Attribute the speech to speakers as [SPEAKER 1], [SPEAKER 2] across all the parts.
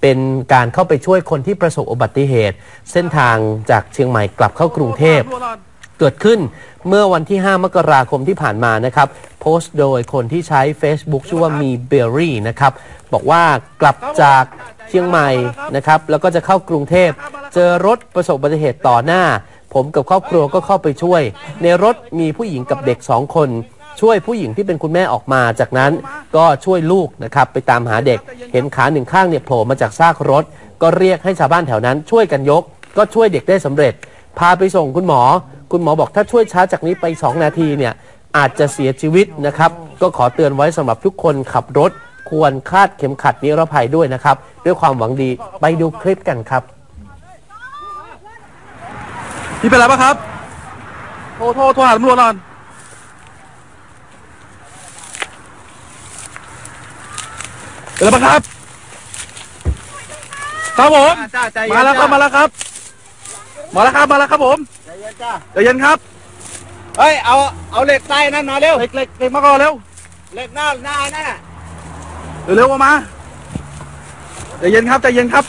[SPEAKER 1] เป็นการเข้าไปช่วยคนที่ประสบอุบัติเหตุเส้นทางจากเชียงใหม่กลับเข้ากรุงเทพเกิดขึ้นเมื่อวันที่ 5 มกราคมที่ผ่านมานะครับโพสต์โดยคนที่ใช้ Facebook ชื่อว่ามีเบอร์รี่นะครับบอกว่ากลับจากเชียงใหม่นะครับแล้วก็จะเข้ากรุงเทพเจอรถประสบอุบัติเหตุต่อหน้าผมกับครอบครัวก็เข้าไปช่วยในรถมีผู้หญิงกับเด็ก2 คนช่วยผู้หญิงที่เป็นคุณแม่ออกมาจากนั้นก็ช่วยลูกนะครับไปตามหาเด็กเห็นขา1 ข้างเนี่ยโผล่มาจากซากรถก็เรียกให้ชาวบ้านแถวนั้นช่วยกันยกก็ช่วยเด็กได้สำเร็จพาไปส่งคุณหมอบอกถ้าช่วยช้าจากนี้ไป2 นาทีเนี่ยอาจจะเสียชีวิตนะครับก็ขอเตือนไว้สำหรับทุกคนขับรถควรคาดเข็มขัดนิรภัยด้วยนะครับด้วยความหวังดีไปดูคลิปกันครับ
[SPEAKER 2] พี่เป็นไรบ้างครับโทรหาตำรวจก่อนเป็นไรบ้างครับครับผมมาแล้วครับผมใจเย็นครับ
[SPEAKER 3] เฮ้ยเอาเหล็กใต้นั่นมาเร็ว
[SPEAKER 2] เหล็กมาก่อนเร็ว
[SPEAKER 3] เหล็กหน้านั่นน่ะ
[SPEAKER 2] เร็วมาใจเย็นครับ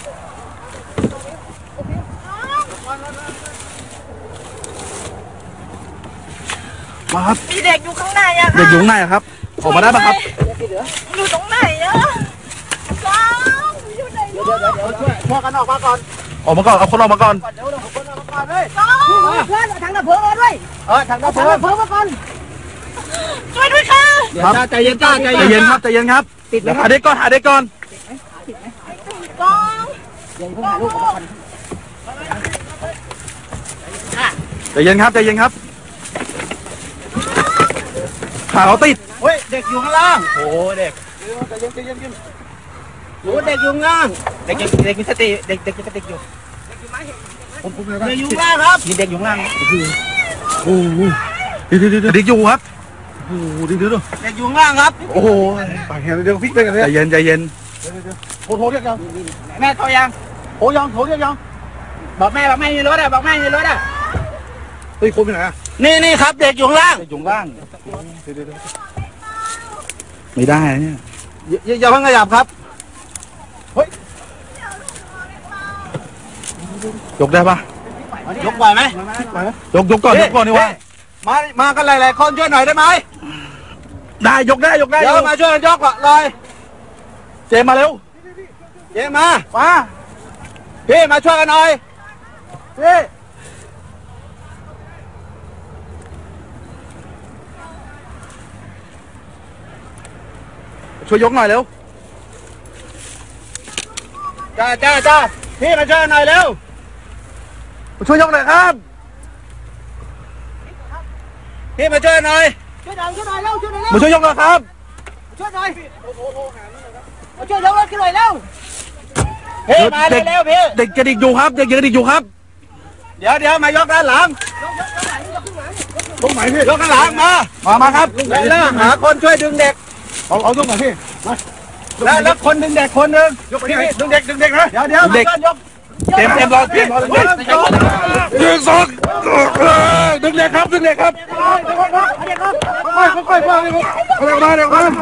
[SPEAKER 2] มาครับ
[SPEAKER 4] มีเด็กอยู่ข้างในอะ
[SPEAKER 2] เด็กอยู่ข้างในครับออกมาได้ปะครับ
[SPEAKER 4] อยู่ตรงไหนอะว้าวอยู่ไหนเดี๋ยว
[SPEAKER 3] ช่วยกันออกมาก่อน
[SPEAKER 2] เอาคนออกมาก่อน
[SPEAKER 3] เดี๋ยวเอาคนออกมาก่อนเลย
[SPEAKER 4] เพื่อนทางดับเพลิงมาด้วย
[SPEAKER 3] ทางดับเพลิง
[SPEAKER 4] มาก่อนช่วยด้วยค่ะ
[SPEAKER 3] ใจเย็น
[SPEAKER 2] ครับ
[SPEAKER 3] ติดเลย
[SPEAKER 2] หาเด็กก่อน
[SPEAKER 4] กอง
[SPEAKER 3] หาลูกออกมาก่อน
[SPEAKER 2] ใจเย็นครับขาเขาติด
[SPEAKER 3] เฮ้ยเด็กอยู่ข้างล่างโอ้เด็กใจเย็นโอ้เด็กอยู่ข้างล่างเด็กมีสติเด็กมีสติอยู่ผมเด็กอยู่ล่างครับมีเด็กอยู่ล่าง
[SPEAKER 2] โอ้เด็กอยู่ครับโอ้เด็ก
[SPEAKER 3] อยู่ล่างครับ
[SPEAKER 2] โอ้โหปากแหงเดี๋ยวฟิกไปกันเลยใจเย็น
[SPEAKER 3] โทรเรียกยังแม่โทรยังโทรเรียกยังบอกแม่ในรถอ่ะ
[SPEAKER 2] เฮ้ยคนไปไหนอ่ะ
[SPEAKER 3] นี่ครับเด็กอยู่ล่าง
[SPEAKER 2] ไม่ได้เนี่ย
[SPEAKER 3] อย่าเพิ่งขยับครับเฮ้ย
[SPEAKER 2] ยกได้ปะ
[SPEAKER 3] ยกไหวไหม
[SPEAKER 2] ยกก่อนนี่วะ
[SPEAKER 3] มากันหลายๆคนช่วยหน่อยได้ไหม
[SPEAKER 2] ได้ยกได้
[SPEAKER 3] เดี๋ยวมาช่วยกันยกเลย
[SPEAKER 2] เจมาเร็ว
[SPEAKER 3] มาพี่มาช่วยกันหน่อยพี่
[SPEAKER 2] ช่วยยกหน่อยเร็ว
[SPEAKER 3] จ้าพี่มาช่วยหน่อยเร็ว
[SPEAKER 2] ช่วยยกหน่อยครับ
[SPEAKER 3] พี่มาช่วยหน่อยเร็ว
[SPEAKER 2] มาช่วยยกหน่อยครับ
[SPEAKER 3] ช่วยหน่อยมาช่วยยกรถขึ้นหน่อยเร็วพี่มาเร็วพี่
[SPEAKER 2] เด็กกระดิกอยู่ครับเ
[SPEAKER 3] เดี๋ยวมายกด้านหลัง
[SPEAKER 2] ตรงไหนพี่
[SPEAKER 3] ยกด้านหลัง
[SPEAKER 2] มาครับ
[SPEAKER 3] แล้วหาคนช่วยดึงเด็ก
[SPEAKER 2] เอาตรงไหนพี่
[SPEAKER 3] แล้วคนดึงเด็กคนหนึ่ง
[SPEAKER 2] ยกพี่ดึงเด็กนะ
[SPEAKER 3] เดี๋ยว
[SPEAKER 2] เด็ก
[SPEAKER 3] ยก
[SPEAKER 2] เต็มรอพี่ดึง2ดึงเด็กครับค่อยๆเด็กมา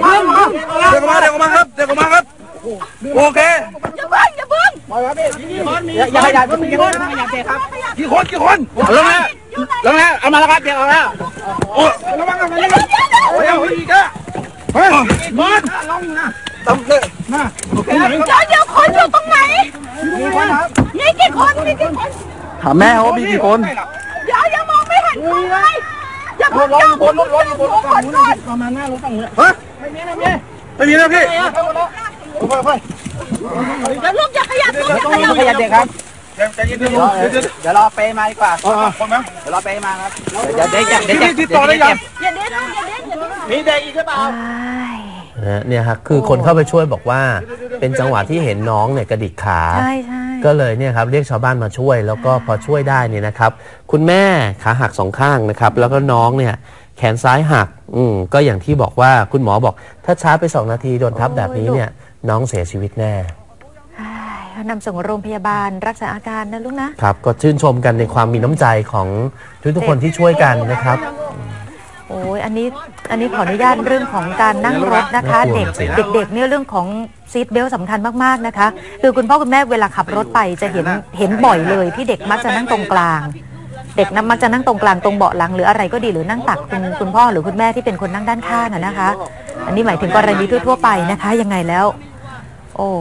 [SPEAKER 2] ครับโอเค
[SPEAKER 4] อย่าเพิ่ง
[SPEAKER 3] อย่าเด็กครับกี่คนแล้วเอามาแล้วครับเด็กเอาแล้วระวังเดี๋ยวอีกอ่ะบอลลงนะตำเลยนะ
[SPEAKER 4] เดี๋ยวคนอยู่ตรงไหนนี่กี่คน
[SPEAKER 2] ถามแม่เขามีกี่คน
[SPEAKER 4] อย่ามองไม่เห็นคนเลยอย่าเพิ่ง
[SPEAKER 3] รถประมาณหน้ารถฝั่งนู้นไม่มีนะ
[SPEAKER 2] พี่
[SPEAKER 3] ค่อย
[SPEAKER 4] เดี๋ยวลูกอย่าขยับ
[SPEAKER 3] เด็กครับเดี๋ยวรอเปย์มาดีกว่าเดี๋ยวรอเปย์มาครับเดี๋ยวเด็ก
[SPEAKER 2] ติดต่อได้ยัง
[SPEAKER 3] มีเด็กอีกหรือเปล่า
[SPEAKER 1] เนี่ยครับคือคนเข้าไปช่วยบอกว่าเป็นจังหวะที่เห็นน้องเนี่ยกระดิกขาก็เลยเนี่ยครับเรียกชาวบ้านมาช่วยแล้วก็พอช่วยได้เนี่ยนะครับคุณแม่ขาหัก2 ข้างนะครับแล้วก็น้องเนี่ยแขนซ้ายหักก็อย่างที่บอกว่าคุณหมอบอกถ้าช้าไป2 นาทีโดนทับแบบนี้เนี่ยน้องเสียชีวิตแน่
[SPEAKER 4] นำส่งโรงพยาบาลรักษาอาการนะลูกนะครับ
[SPEAKER 1] ก็ชื่นชมกันในความมีน้ำใจของทุกคนที่ช่วยกันนะครับ
[SPEAKER 5] โอ้ยอันนี้ขออนุญาตเรื่องของการนั่งรถนะคะเด็กเนี่ยเรื่องของซีทเบลต์สำคัญมากๆนะคะคือคุณพ่อคุณแม่เวลาขับรถไปจะเห็นบ่อยเลยที่เด็กมักจะนั่งตรงกลางเด็กมักจะนั่งตรงกลางตรงเบาะหลังหรืออะไรก็ดีหรือนั่งตักคุณพ่อหรือคุณแม่ที่เป็นคนนั่งด้านข้างนะคะอันนี้หมายถึงกรณีทั่วไปนะคะยังไงแล้วโอ้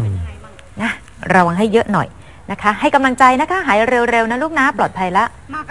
[SPEAKER 5] นะระวังให้เยอะหน่อยนะคะให้กำลังใจนะคะหายเร็วๆนะลูกนะปลอดภัยละ